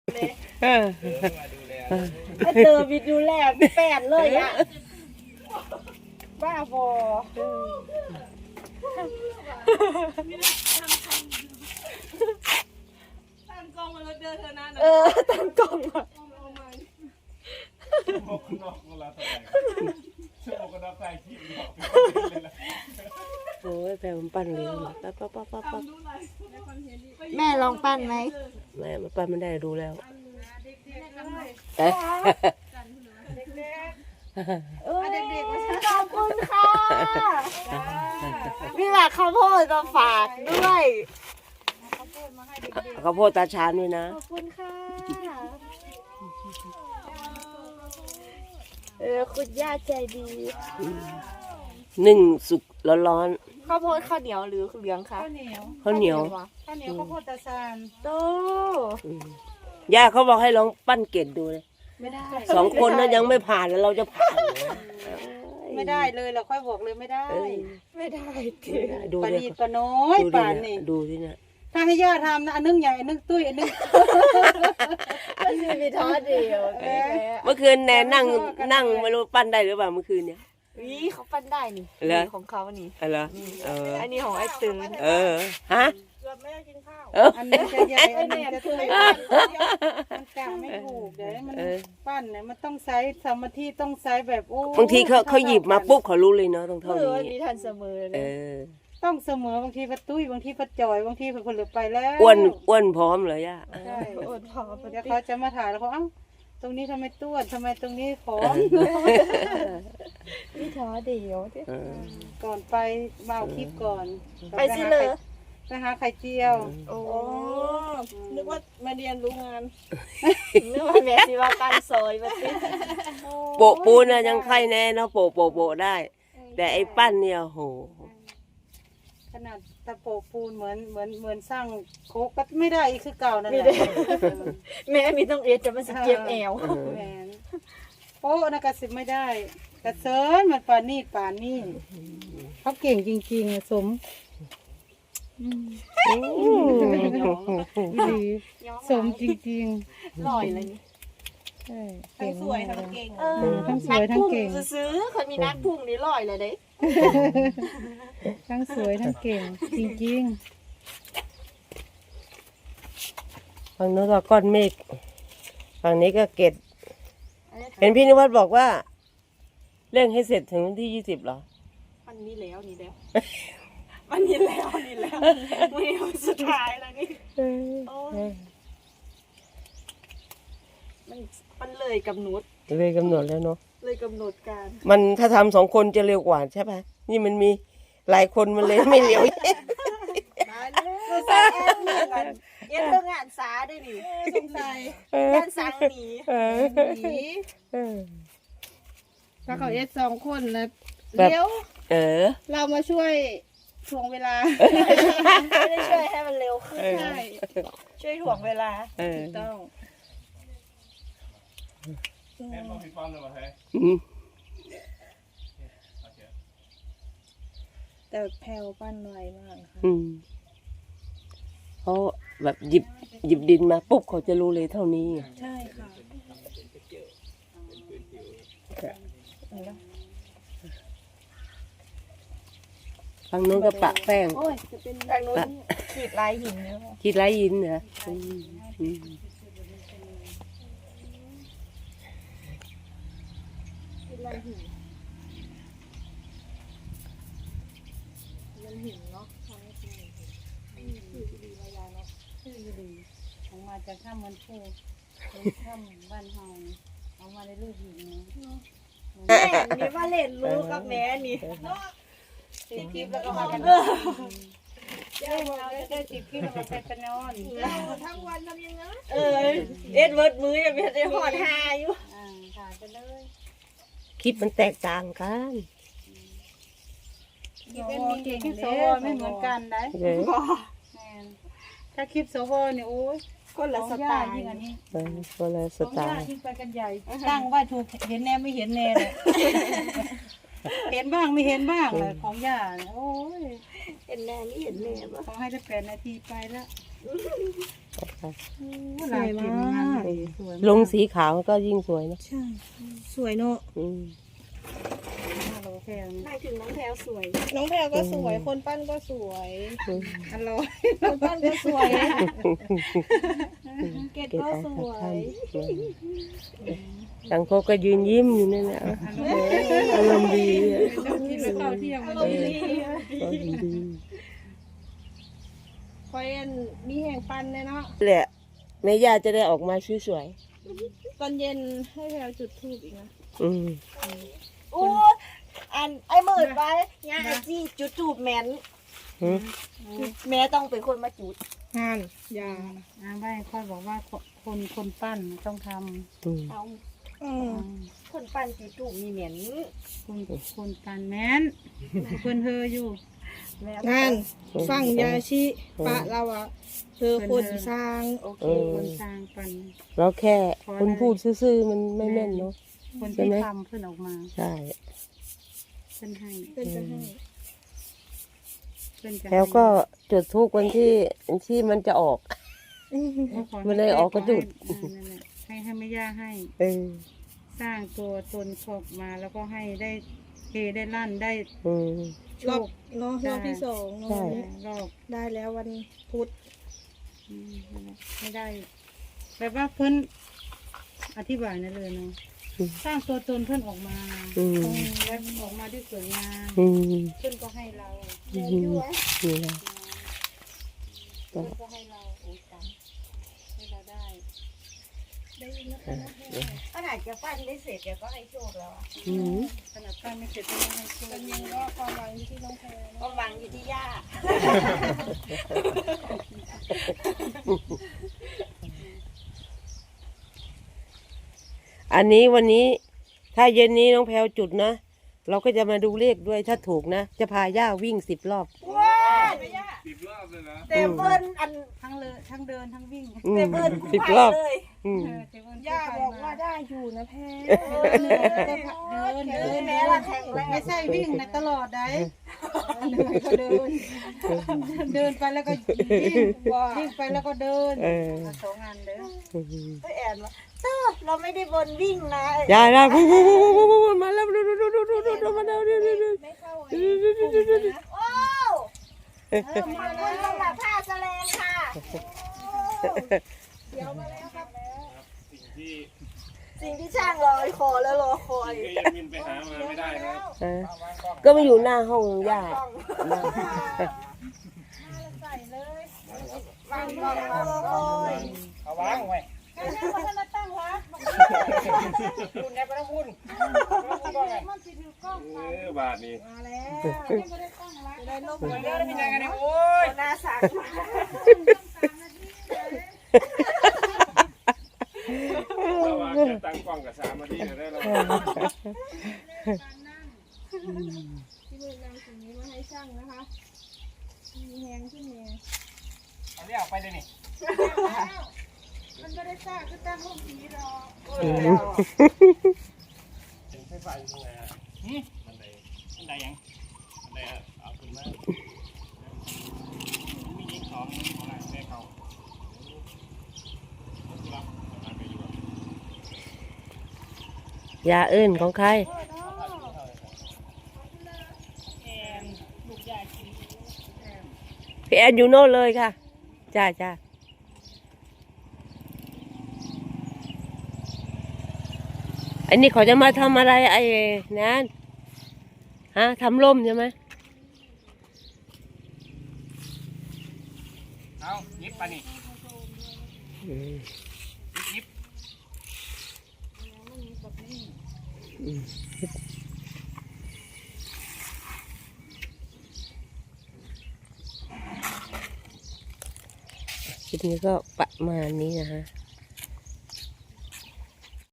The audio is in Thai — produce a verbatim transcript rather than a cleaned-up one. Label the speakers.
Speaker 1: เออ
Speaker 2: ไอเตอร์วิดดูแลแปดเลยอ่ะบ้าบอตั้งกล้องมาแล้วเดินเธอนะเออตั้งกล้องมา
Speaker 1: โอ้ยแพรมันปั้นเลยปั๊บปั๊บปั๊บปั๊บปั๊บ
Speaker 2: แม่ลองปั้นไหม
Speaker 1: แม่มันปั้นไม่ได้ดูแล้ว
Speaker 2: ขอบคุณค่ะนี่แหละข้าวโพดมาฝากด้วย
Speaker 1: ข้าวโพดตาชานด้วยนะ
Speaker 2: ขอบคุณค่ะเออคุณย่าใจดี
Speaker 1: หนึ่งสุกร้อน
Speaker 2: ข้าวโพดข้าวเหนียวหรือเหลืองคะ
Speaker 3: ข้าวเหนียว
Speaker 1: ๆข้าวเหนียว
Speaker 3: ข้าวเหนียวข้าวโพดตาซาน
Speaker 2: โต
Speaker 1: อืมย่าเขาบอกให้ลองปั้นเกล็ดดูเลย
Speaker 3: ไม่ได้
Speaker 1: สองคนนั้นยังไม่ผ่านแล้วเราจะผ่านนะ
Speaker 3: ไม่ได้เลยเราค่อยบอกเลยไม่ได้
Speaker 1: เอ้ย
Speaker 2: ไม่ได้
Speaker 1: ไม่ได้ดู
Speaker 3: ปา
Speaker 1: ดิ
Speaker 3: นีปาน้อย
Speaker 1: ดูดิ
Speaker 3: ป่าน
Speaker 1: เนี่
Speaker 3: นี่
Speaker 1: ยดูที่เนี่ย
Speaker 3: ถ้าให้ย่าทำนะอันนึงใหญ่อันนึงตุ้ยอันนึง
Speaker 2: ไม่มีท้อเดียว
Speaker 1: เมื่อคืนแนนนั่งนั่งไม่รู้ปั้นได้หรือเปล่าเมื่อคืนเนี่ย
Speaker 2: นี่เขาปั้นได้นี่
Speaker 1: เหรอ
Speaker 2: นี่ของเขานี่
Speaker 1: อะไรเออ
Speaker 2: อันนี้ของไอ้ตื่น
Speaker 1: เออฮะ
Speaker 2: เกือบไม่ได้กินข้าว
Speaker 1: เออ
Speaker 3: อันนึงจะใหญ่อันนึงจะตุ้ยมันกะไม่ถูกเดี๋ยวมัน
Speaker 1: เออ
Speaker 3: ปั้นเนี่ยมันต้องใช้สมาธิต้องใช้แบบโอ้
Speaker 1: บางทีเขาเขาหยิบมาปุ๊บเขารู้เลยเนาะต้อง
Speaker 2: เอ
Speaker 1: เท่า
Speaker 2: อ
Speaker 1: นี้
Speaker 2: มันมีทันเสมอเล
Speaker 1: เอย อ
Speaker 3: ต้องเสมอบางทีปะตุ้ยบางทีปะจอยบางทีคนเหลือไปแล้ว
Speaker 1: อ้วนอ้วนพร้อมเลยย่า
Speaker 3: ใช่
Speaker 2: อดพอป
Speaker 3: เดี๋ยวเขาจะมาถ่ายแล้วเขาเอ้าตรงนี้ทำไมต้วนทำไมตรงนี้ผอม
Speaker 2: มีท้อเดียว
Speaker 1: เออ
Speaker 3: ก่อนไปมาเอาคลิปก่อน
Speaker 2: ไปสิเลย
Speaker 3: ไปหาไข่เจียว
Speaker 2: โอ้นึกว่ามาเรียนรู้งานนึกว่าแม่สิว่าการซอยมาสิ
Speaker 1: โปะปูนน่ะยังไข่แน่เนาะโปะโปะโปะได้ แต่ไอ้ปั้นเนี่ยโห
Speaker 3: ขนาดตะโปะปูนเหมือนเหมือนเหมือนสร้างโคกก็ไม่ได้อีกคือเก่านั่นแห
Speaker 2: ไม่
Speaker 3: ละ
Speaker 2: ได้ แม่มีต้องเอ็ดจะมันสิเจ็บแอว
Speaker 3: แหมนโป๊ะนะกระสิบไม่ได้กระเซินมันปานนี่ปานนี่เขาเก่งจริงๆอะสมดีสมจริง
Speaker 2: ลอยเลยนี่
Speaker 3: ๆใช่เก่ง
Speaker 2: สวย
Speaker 3: มาก
Speaker 2: ทั้ง
Speaker 3: เลย
Speaker 2: เก่ง
Speaker 3: เออทั้งสวยทั้งเก่ง
Speaker 2: ซื้อคนมีนักพุ่งนี่ลอยเลยเด้
Speaker 3: ทั้งสวยทั้งเก่ง จริง
Speaker 1: ฝั่งโน้นก็ก้อนเมฆฝั่งนี้ก็เกล็ดเห็นพี่นิวัฒน์บอกว่าเร่งให้เสร็จถึงวันที่ยี่สิบเหรอ
Speaker 2: มันนี้แล้วนี่แล้วมันนี้แล้วนี่แล้วไม่เอาสุดท้ายแล้วนี่มันมันเลยกำหนด
Speaker 1: เลยกำหนดแล้วเนาะ
Speaker 2: เลยกำหนดการ
Speaker 1: มันถ้าทำสองคนจะเร็วกว่าใช่ปะนี่มันมีหลายคนมันเลยไม่เร็ว
Speaker 2: เราใส่แอนนี่กันเอ็นเรื่องงานสาด้วยนี่สงสัยงานสังหนี
Speaker 1: เออ
Speaker 3: ๆผี
Speaker 1: เออ
Speaker 3: ถ้าเขาเอสสองคนนะ
Speaker 1: แบบ
Speaker 3: เดี๋ยว
Speaker 1: เออ
Speaker 3: เรามาช่วยถ่วงเวลา
Speaker 2: ไม่ได้ช่วยให้มันเร็วขึ้น
Speaker 1: เออ
Speaker 3: ใช่
Speaker 2: ช่วยถ่วงเวลา
Speaker 1: เออ
Speaker 3: ต้อง
Speaker 1: อืม
Speaker 2: แต่แพลวปั้นไวมากค่ะ
Speaker 1: อืมเขาแบบหยิบหยิบดินมาปุ๊บเขาจะรู้เลยเท่านี้
Speaker 2: ใช่ค่ะ
Speaker 1: ฝั่งโน้นก็ปะแป้ง
Speaker 2: โอ้ยจะเป็นทางโน้นขีดลายหินเนี่ยค่ะ
Speaker 1: คิดไรยินเหรออืมอืม
Speaker 2: ขีดลายหินมันหินเนาะทำให้เป็นหินคือดีมายาเนาะ
Speaker 3: ชื่อดีออกมาจากถ้ำมันพูเป็นถ้ำบ้านเฮาออกมาในรูปหินนะ
Speaker 2: แม่นี่ว่าเล่นรู้กับแม่นี่
Speaker 3: ติดคลิปแล้วก็มากันได้เราได้ติดคลิปแล้วก็ไปกันนอน
Speaker 2: ทั้งวันทำยังไงเออเอ็ดเวิร์ดมือยังไม่ได้หอดหาอยู่
Speaker 3: อ่าถ่ายไปเลย
Speaker 1: คิดมันแตกต่างกัน
Speaker 3: คลิปเป็นมีเก่งคลิปโซโวไม่เหมือนกันได้
Speaker 1: เลย
Speaker 3: แม่นถ้าคลิปโซโวเนี่ยโอ้ย
Speaker 2: คนละสไตล์
Speaker 3: ยิ่งอันนี้
Speaker 1: เออคนละส
Speaker 3: สอง
Speaker 1: ไต
Speaker 3: ย่า
Speaker 1: ล์
Speaker 3: ยิ่งไปกันใหญ่ตั้งว่าถูกเห็นแน่ไม่เห็นแน่เลยเห็นบ้างไม่เห็นบ้างเลยของย่าเนี่ยโอ้ย
Speaker 2: เห็นแน่นี่เห็นแน่ปะ
Speaker 3: ขอให้ได้แปดนาทีไปแล้ว
Speaker 1: นะคะ
Speaker 3: หลายกินมากสวย
Speaker 1: ลงสีขาวก็ยิ่งสวยนะ
Speaker 2: ใช่สวยเนาะ
Speaker 1: อืม
Speaker 3: เราแพง
Speaker 2: หมายถึงน้องแพรสวย น้องแพรก็สวย คนปั้นก็สวย
Speaker 1: อืม
Speaker 3: อร่อย
Speaker 2: คนปั้นก็สวย เกด
Speaker 1: เก็บ
Speaker 2: ก็
Speaker 1: เอา
Speaker 2: ส
Speaker 1: สัก
Speaker 2: วย
Speaker 1: ท่านสังโคก็ยืนยิ้มอยู่นั่นแหละอารมณ์ดีอะ
Speaker 3: ต้องกินแล้วข้าวเที่ยง
Speaker 2: อา
Speaker 3: มัน
Speaker 2: รมณ์ดี
Speaker 1: อารมณ์ดี
Speaker 2: คอยอันมีแห่งปันเลยเนาะ
Speaker 1: แหละแม่ย่าจะได้ออกมาสวย
Speaker 2: ตอนเย็นให้แพรจุดธูปอีกนะ
Speaker 1: ๆอืม
Speaker 2: โอ้อันไอ้หมื่นไว้ย่าไอ้จี้จุดธูปแม่น
Speaker 1: หืม
Speaker 2: แม่ต้องเป็นคนมาจุดงานยา
Speaker 3: อาไม่ค่อยบอกว่าคนคนปั้นต้องท
Speaker 1: อืม
Speaker 2: เอา
Speaker 3: ำ
Speaker 2: คนปั้นจุดธูปมีเหม็น
Speaker 3: คนคนปั้นแม้นเพื่อนเธออยู่
Speaker 2: งานฟังยาชิปะเราอะเธอคนสร้างโอเค
Speaker 3: คนสร้างปั้น
Speaker 1: เราแค่คนพูดซื่อๆมันไม่แม่นเนาะ
Speaker 3: คน
Speaker 1: ใช่
Speaker 3: ที่
Speaker 1: ไหม
Speaker 3: ทำเพื่อนออกมา
Speaker 1: ใช่
Speaker 3: เพื่อนให้
Speaker 2: เป็นจะให้
Speaker 3: เพื่อนจะให้
Speaker 1: แล้วก็จุดทุกวันที่ที่มันจะออก
Speaker 3: แล้วขอให้
Speaker 1: มันเลยออกกระจุด
Speaker 3: เออนั่นแหละให้ให้ไม่ย่าให้
Speaker 1: เออ
Speaker 3: สร้างตัวตนออกมาแล้วก็ให้ได้เฮได้ลั่นได้
Speaker 1: อืม
Speaker 3: โช
Speaker 2: รอบ
Speaker 3: ค
Speaker 2: เนาะรอบที่สองเนาะ
Speaker 1: ใช่
Speaker 2: วันนี้
Speaker 3: รอบ
Speaker 2: ได้แล้ววันพุธ
Speaker 3: อืมนั่นแหละไม่ได้แบบว่าเพื่อนอธิบายนั่นเลยเนาะสร้างตัวตนเพื่อนออกมา
Speaker 1: อืม
Speaker 3: แล้วออกมาได้สวยงาม
Speaker 1: อืม
Speaker 3: เพื่อนก็ให้เรา
Speaker 1: อืมนี่แหละ
Speaker 3: เพื่อนก็ให้เราโอ้ยตังให้เราได้
Speaker 2: ได้ยินนะคะขนาดจะปั้นได้เสร็จเดี๋ยวก็ให้โชคแล้วอะ
Speaker 1: อืม
Speaker 3: ขนาดป้าไม่เสร็จก็ยังให้โชค
Speaker 2: ตอนเย็นก็ความหวังอยู่ที่น้องแพรความหวังอยู่ที่ย่า
Speaker 1: อันนี้วันนี้ถ้าเย็นนี้น้องแพลวจุดนะ เราก็จะมาดูเลขด้วยถ้าถูกนะ จะพาย่าวิ่งสิบรอบ
Speaker 2: ว้าวย่า
Speaker 4: สิบรอบเลยนะ
Speaker 2: เต็มเบิ้ลอัน
Speaker 3: ทั้งเลยทั้งเดินทั้งวิ่ง
Speaker 1: อืม
Speaker 2: เต็มเบิ้ลคู่
Speaker 1: สิบ
Speaker 2: ไผ่
Speaker 1: รอบ
Speaker 2: เลย
Speaker 1: อืม
Speaker 3: เออเจ๊เบิ้ล
Speaker 2: ย่า
Speaker 3: ไป
Speaker 2: บอก
Speaker 3: ม
Speaker 2: ว่าได้อยู่นะแพร
Speaker 3: เดินเดินเดิน
Speaker 2: แม้ละแข็งแรง
Speaker 3: ไม่ใช่วิ่งนะตลอดได้เหนื่อยก็เดิน เดินไปแล้วก็วิ่งวิ่งไปแล้วก็เดิน
Speaker 1: เออ
Speaker 3: สองงานเด้อ
Speaker 1: อืม
Speaker 2: ไปแอนว่าเต้อเราไม่ได้บนวิ่งนะ
Speaker 1: ย่าย่าพูดพูดพูดพูดพูดมาแล้วดูดูดูดูดูดูดูมาแล้วดูดูดู
Speaker 2: ไม่เข้าไอ้กลุ่มเลยนะโอ้เออมาแล้วสำหรับผ้าแสลงค่ะเดี๋ยวมาแล้วครับ
Speaker 4: สิ่งที่
Speaker 2: สิ่งที่ช่างรอคอแล้วรอคอย
Speaker 4: ก็ยังมินไปหามาไม่ได้นะ
Speaker 1: เออก็มาอยู่หน้าห้องย่า
Speaker 2: ใส่เลยวางกล้องรอคอย
Speaker 4: เอาวางไว้
Speaker 2: แค่นี้มันมาตั้งวัด
Speaker 4: คุณแกไปทั้งคุณมันสิถือกล้องเออบาทนี้
Speaker 2: มาแล้วไม่ได้ตั้งวัดได้ลบหมดแล้วเป็นยังไงเนี่ยโอ้ยหน้าสัก
Speaker 4: ระหว่างแค่ตั้งกล้องกับสามนาทีได้แล้ว
Speaker 2: ที่มือนำสิ่งนี้มาให้ช่างนะคะมีแหงขึ้นเนี่ย
Speaker 4: เอาเรียกไปเลยนี่
Speaker 2: มันไม่ได้สร้างก็ตั้งห้องผีรอ
Speaker 4: ถึงไฟฟ้าอยู่ตรงไหนอ่ะมันได้มันได้ยังมันได้เอาขึ้นมามียิงสองของอะไรได้เขารับทำไปอยู่
Speaker 1: ยาเอิ้นของใครพี่แอนอยู่โน่นเลยค่ะจ้าจ้าอันนี้เขาจะมาทำอะไรไอ้นั่นฮะทำร่มใช่ไหม
Speaker 4: เอายิบไปนี่
Speaker 1: อืม
Speaker 4: ยิบ
Speaker 1: คลิปนี้ก็ประมาณนี้นะฮะ